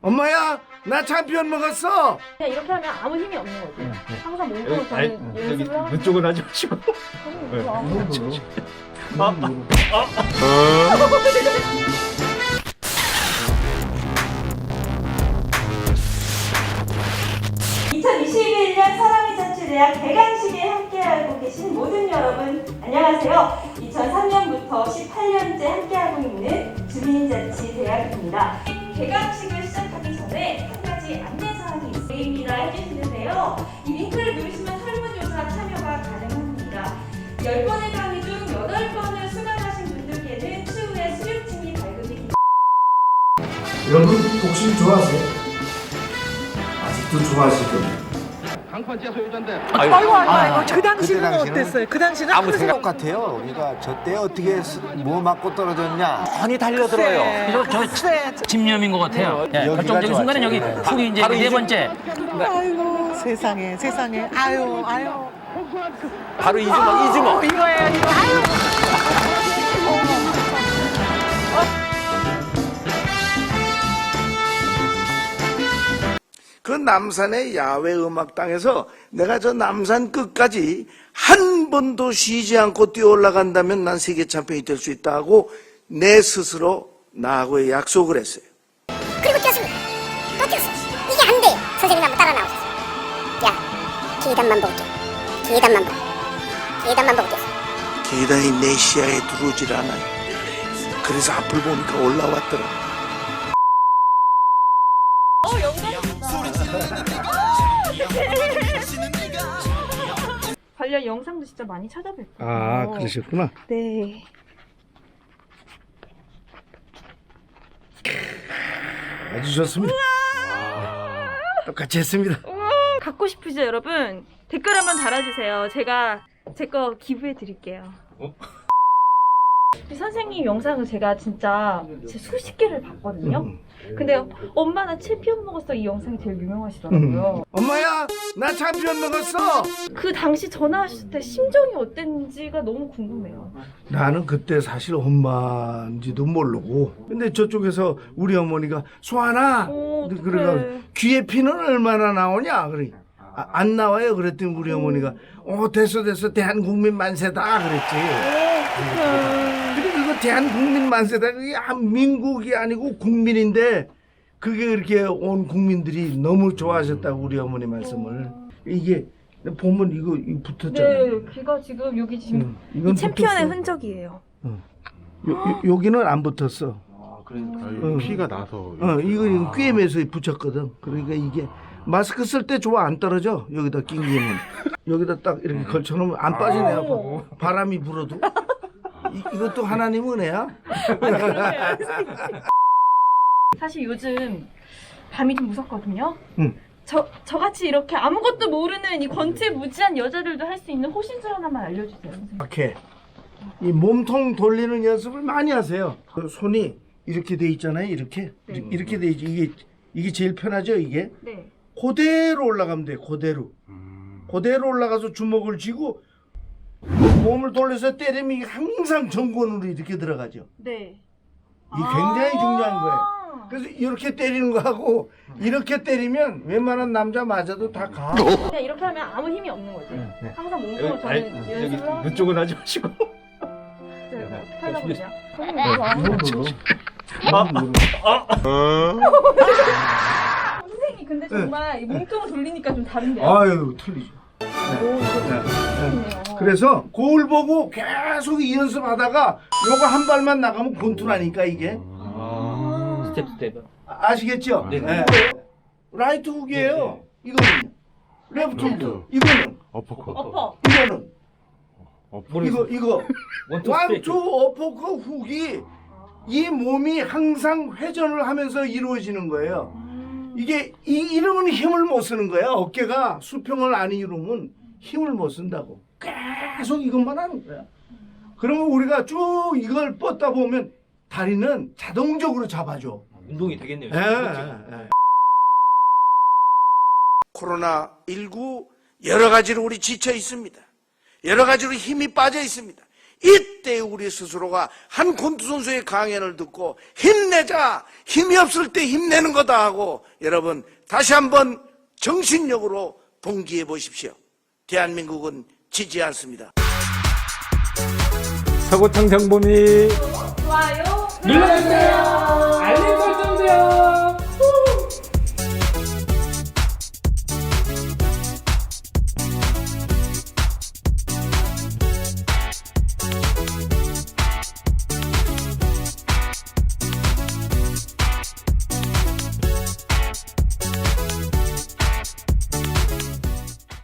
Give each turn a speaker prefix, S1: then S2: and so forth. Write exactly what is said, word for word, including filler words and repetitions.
S1: 엄마야, 나 참피언 먹었어.
S2: 그냥 이렇게 하면 아무 힘이 없는 거지.
S3: 네, 네.
S2: 항상 몸으로
S3: 아니,
S2: 저는
S3: 여기
S2: 연습을 하고
S3: 눈 쪽은 하지 마시고. 네.
S4: 이천이십일 년 사랑의 자치대학 개강식에 함께하고 계신 모든 여러분 안녕하세요. 이천삼 년부터 십팔 년째 함께하고 있는 주민자치대학입니다. 개강식을 시작하기 전에 한 가지 안내사항이 있습니다. 해주시는데요. 이 링크를 누르시면 설문조사 참여가 가능합니다. 열 번의 강의 중 여덟 번을 수강하신 분들께는 추후에 수료증이 발급이
S1: 여러분 복싱 좋아하세요? 아직도 좋아하실 겁니다.
S3: 강판지야 소유자인데.
S5: 아이고 아이고 아이고
S6: 아,
S5: 그 당시는
S6: 그때 당시는
S5: 어땠어요? 그 당시는
S6: 아무
S5: 큰
S6: 생각
S5: 생각-
S6: 같아요. 우리가 저때 어떻게 스- 뭐 맞고 떨어졌냐.
S7: 많이 달려들어요.
S5: 글쎄.
S7: 저, 저 집념인 것 같아요. 예,
S6: 여기가
S7: 결정적인 순간은 여기
S6: 좋았죠.
S7: 훅이 이제 바로 네 이중- 번째.
S5: 아이고 세상에 세상에 아유 아유
S7: 바로 이주먹, 이주먹.
S5: 이거예요 이거 아유
S1: 그 남산의 야외 음악당에서 내가 저 남산 끝까지 한 번도 쉬지 않고 뛰어 올라간다면 난 세계 챔피언이 될 수 있다 하고 내 스스로 나하고의 약속을 했어요.
S8: 그리고 뛰었습니다. 또 뛰었어요. 이게 안 돼. 선생님 한번 따라 나오셨어요. 야, 계단만 보고 뛰어. 계단만 보고. 계단만 보고 뛰었어.
S1: 계단이 내 시야에 들어오질 않아요. 그래서 앞을 보니까 올라왔더라.
S2: 관련 영상도 진짜 많이 찾아뵙고.
S1: 아, 그러셨구나.
S2: 네.
S1: 아주 좋습니다. 똑같이 했습니다.
S2: 갖고 싶으시죠, 여러분? 댓글 한번 달아주세요. 제가 제 거 기부해 드릴게요. 선생님 영상을 제가 진짜 진짜 수십 개를 봤거든요. 근데 엄마 나 챔피언 먹었어 이 영상이 제일 유명하시더라고요.
S1: 엄마야, 나 참피언 먹었어.
S2: 그 당시 전화하실 때 심정이 어땠는지가 너무 궁금해요.
S1: 나는 그때 사실 엄마인지도 모르고, 근데 저쪽에서 우리 어머니가 소환아,
S2: 어, 어떡해.
S1: 그래가 귀에 피는 얼마나 나오냐 그래. 아, 안 나와요. 그랬더니 우리 어머니가 어 됐어 됐어 대한국민 만세다 그랬지. 근데 그거 대한국민 만세다 그게 한 민국이 아니고 국민인데 그게 그렇게 온 국민들이 너무 좋아하셨다고 우리 어머니 말씀을. 이게 보면 이거, 이거 붙었잖아.
S2: 네, 걔가 지금 여기 지금
S1: 응, 이건
S2: 이 챔피언의
S1: 붙었어.
S2: 흔적이에요.
S1: 요, 요, 여기는 안 붙었어.
S3: 아, 그러니까
S1: 응.
S3: 피가 나서.
S1: 어, 이거 꿰매서 붙였거든. 그러니까 이게 마스크 쓸 때 좋아 안 떨어져. 여기다 낑기면 여기다 딱 이렇게 걸쳐놓으면 안 빠지네.
S2: 어.
S1: 바람이 불어도. 이, 이것도 하나님 은혜야.
S2: 사실 요즘 밤이 좀 무섭거든요.
S1: 응.
S2: 저 저같이 이렇게 아무것도 모르는 이 권태무지한 여자들도 할 수 있는 호신술 하나만 알려주세요. 선생님.
S1: 이렇게 이 몸통 돌리는 연습을 많이 하세요. 그 손이 이렇게 돼 있잖아요. 이렇게
S2: 네.
S1: 이렇게 돼 있지. 이게 이게 제일 편하죠. 이게
S2: 네.
S1: 그대로 올라가면 돼. 그대로. 그대로 올라가서 주먹을 쥐고 몸을 돌려서 때리면 이게 항상 정권으로 이렇게 들어가죠.
S2: 네.
S1: 이게 굉장히 중요한 거예요.
S2: 아.
S1: 그래서 이렇게 때리는 거하고 이렇게 때리면 웬만한 남자 맞아도 다 가.
S2: 그냥 이렇게 하면 아무 힘이 없는 거지.
S1: 네.
S2: 항상 몸으로
S3: 여기, 아니,
S2: 저는
S3: 여기
S2: 연습을 하고.
S3: 눈 쪽은 하지 마시고.
S2: 네, 어떻게 하려고 그러냐? 선생님 근데 정말 이 몸통을 돌리니까 좀 다른데요?
S1: 아유 틀리죠.
S2: 오, 이거 좋네요.
S1: 그래서 거울 보고 계속 이 연습하다가 요거 한 발만 나가면 권투라니까 이게.
S7: 스텝, 스텝.
S1: 아, 아시겠죠?
S7: 네.
S1: 네. 라이트 훅이에요. 이거는 레프트 훅. 이거는
S3: 어퍼컷.
S2: 어퍼.
S1: 이거는
S3: 어퍼.
S1: 이거 이거
S7: 원투
S1: 완투
S7: 스텝.
S1: 어퍼컷 훅이 이 몸이 항상 회전을 하면서 이루어지는 거예요. 이게 이 이러면 힘을 못 쓰는 거야. 어깨가 수평을 안 이루면 힘을 못 쓴다고. 계속 이것만 하는 거야. 그러면 우리가 쭉 이걸 뻗다 보면 다리는 자동적으로 잡아줘.
S7: 운동이 되겠네요.
S1: 예, 예. 코로나 십구 여러 가지로 우리 지쳐 있습니다. 여러 가지로 힘이 빠져 있습니다. 이때 우리 스스로가 한 권투 선수의 강연을 듣고 힘내자, 힘이 없을 때 힘내는 거다 하고 여러분 다시 한번 정신력으로 동기해 보십시오. 대한민국은 지지 않습니다.
S9: 서구청 정보미
S2: 좋아요.
S9: 눌러주세요. 알림 설정도요.